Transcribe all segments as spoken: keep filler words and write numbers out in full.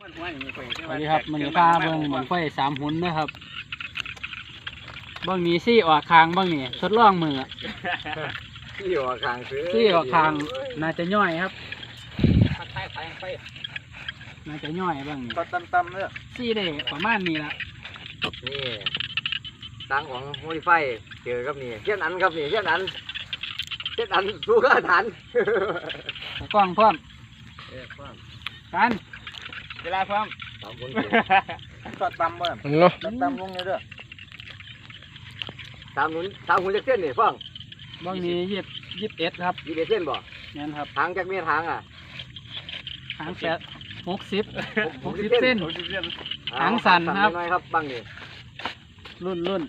สวัสดีครับมันพาเบิ่งบังไฟสามหุ่นนะครับเบิ่งนี้ซี่ออกคางเบิ่งนี่ทดลองมือซี่ออกคางซื้อซี่ออกคางน่าจะย่อยครับน่าจะย่อยเบิ่งนี่ก็ตั้มๆเนี่ยซี่ได้ประมาณนี้ละนี่ตังของโมดิไฟเจอครับนี่เช่นนั้นครับนี่เช่นนั้นเช่นนั้นสู้กับฐานกล้องพร้อมกันเวลาพร้อมสามคนก็ตั้มเบิ่งตั้มลงเลยเด้อสามหุ่นสามหุ่นจักเส้นนี่ฟังเบิ่งนี้ยี่สิบยี่สิบเอ็ดครับยี่สิบเอ็ดเส้นบ่งั้นครับหางจากเมียหางอ่ะหางแปดหกสิบหกสิบเส้นหางสั่นครับน้อยครับบังนี่รุ่นรุ่น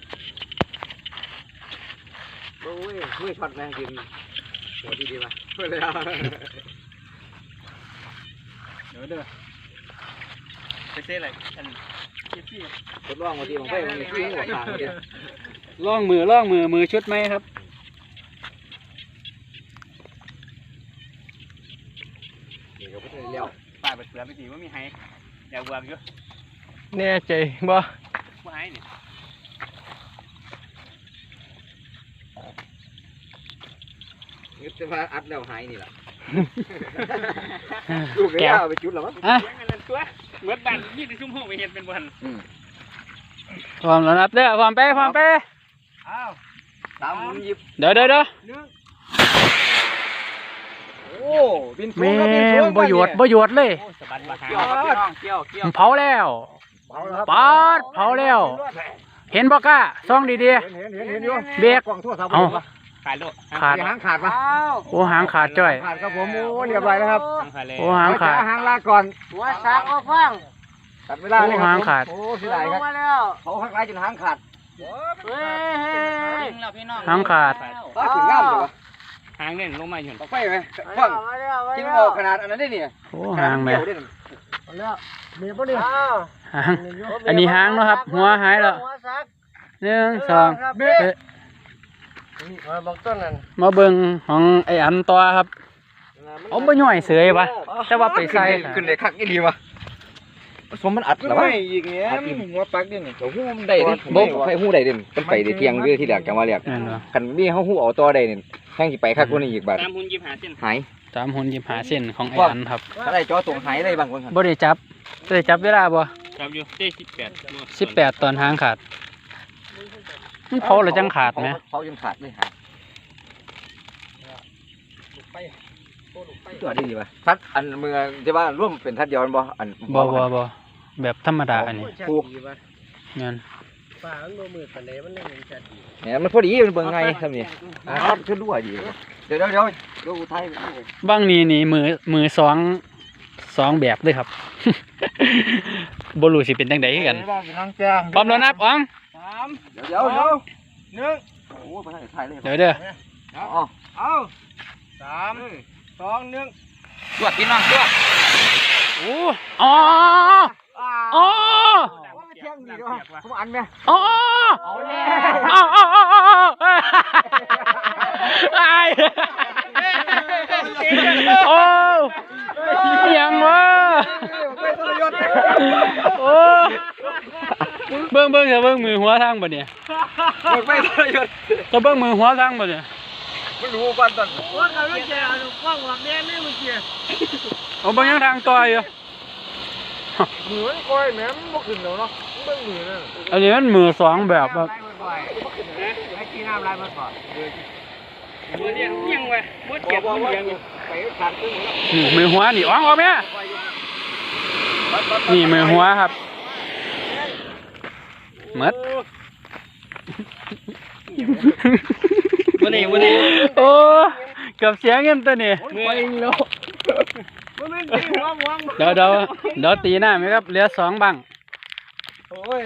โอ้ยมือช็อตแรงจริงหัวดีดีมาเพื่อเลยอ่ะเดี๋ยวเด้อไปเซ่อะไรอันที่ทดลองมาดีของเพื่อนมีที่หัวทางเดียวล่องมือล่องมือมือชุดไหมครับนี่ก็ไม่ได้เลี้ยวป่าเสือไปดีว่ามีไฮอยากวางเยอะแน่ใจบ่ว่าไฮนี่นึกจะมาอัดแล้วหายนี่แหละลูกแก้วไปจุดหรอมั้งอ่ะเหมือนบ้านยี่สิบชั่วโมงไปเห็นเป็นวันพร้อมแล้วนับเด้อพร้อมไปพร้อมไปอ้าวสามหุ่นยิบเดี๋ยวเดี๋ยวเดี๋ยวโอ้บินแม่บ่หยวดบ่หยวดเลยเผาแล้วปาดเผาแล้วเห็นบ่กล้าซ่องดีๆเห็นเห็นเห็นเห็นอยู่เบียกเอาขาดโลขาดหางขาดปะโอ้หางขาดจ้อยขาดครับผมโอ้เรียบร้อยแล้วครับโอ้หางขาดหางลาก่อนหัวสากก็ฟังตัดเวลาเลยหางขาดโอ้เสียดายครับเขาหักลายจนหางขาดเฮ้ยหางขาดป้าถึงง่ามเลยวะหางเนี่ยลงมาอยู่ไฟไหมฟังกินออกขนาดอันนั้นได้เนี่ยโอ้หางแม่แล้วมีป่ะเนี่ยหางอันนี้หางเนาะครับหัวหายแล้วหนึ่งสองมาเบิ่งของไอ้อันตัวครับเอาไปย่อยเสยปะแต่ว่าไปใส่ขึ้นเลยคักนี่ดีวะผสมมันอัดหรอวะอีกเนี้ยหัวปักดิโอ้โหมันได้ดิบ่ให้หูได้ดิมันไปได้เที่ยงเยอะที่แรกจังว่าเรียกคันนี่เขาหูเอาตัวได้นี่แข่งสิไปคักกว่านี้อีกบาทสามหุ่นยิบหาเส้นหายสามหุ่นยิบหาเส้นของไอ้อันครับถ้าได้จ่อตรงหายได้บางคนบ่ได้จับได้จับเวลาบ่จับอยู่ได้สิบแปดสิบแปดตอนหางขาดมันเผาหรือจังขาดไหมเผาจนขาดเลยหายตัวดีป่ะทัดอันเมืองที่ว่าร่วมเป็นทัดย้อนบ่อันบ่บ่บ่แบบธรรมดาอันนี้ปูเงินป่ามันบ่มืดปานใดมันยังเป็นจัดดีเนี่ยมันพอดีมันเบิ่งไงครับนี่ครับขึ้นรั่วดีเดี๋ยวเดี๋ยวเดี๋ยวดูไทยบ้างนี่นี่มือมือสองสองแบบเลยครับบ่รู้สิเป็นจังได๋คือกันพร้อมแล้วนับอ๋องสามเดี๋ยวเดี๋ยวเดี๋ยวหนึ่งโอ้บ่ทันได้ถ่ายเลยเดี๋ยวเด้อเอาเอาสามสองหนึ่งตรวจพี่น้องตรวจโอ้อ๋ออ๋อเที่ยงดีด้วยผมอันไหมอ๋อเอาเลยอ๋ออ๋ออ๋อไอ้โอ้ยังวะโอ้เบิ้งเบิ้งจะเบิ้งมือหัวทางบ่เนี่ยไม่ทรยศจะเบิ้งมือหัวทางบ่เนี่ยไม่รู้บ้านตอนว่าเขาไม่แก่ฟังว่าแม่นี่มันเกี่ยเอาบางอย่างทางต่อยอยู่มือมันก้อยแม่มันบ่ขึ้นแล้วเนาะเบิ้งมือนั่นอันนี้มันมือสองแบบครับให้กินน้ำลายมันก่อนมือเดียวยังไงมือเก็บมือยังไปขาดตึ้งนี่มือหัวนี่อ๋องออกไหมนี่มือหัวครับเม็ดวันนี้วันนี้โอ้กับเสียงเงินตัวนี้เดี๋ยวเดี๋ยวเดี๋ยวตีหน้าไหมครับเหลือสองบัง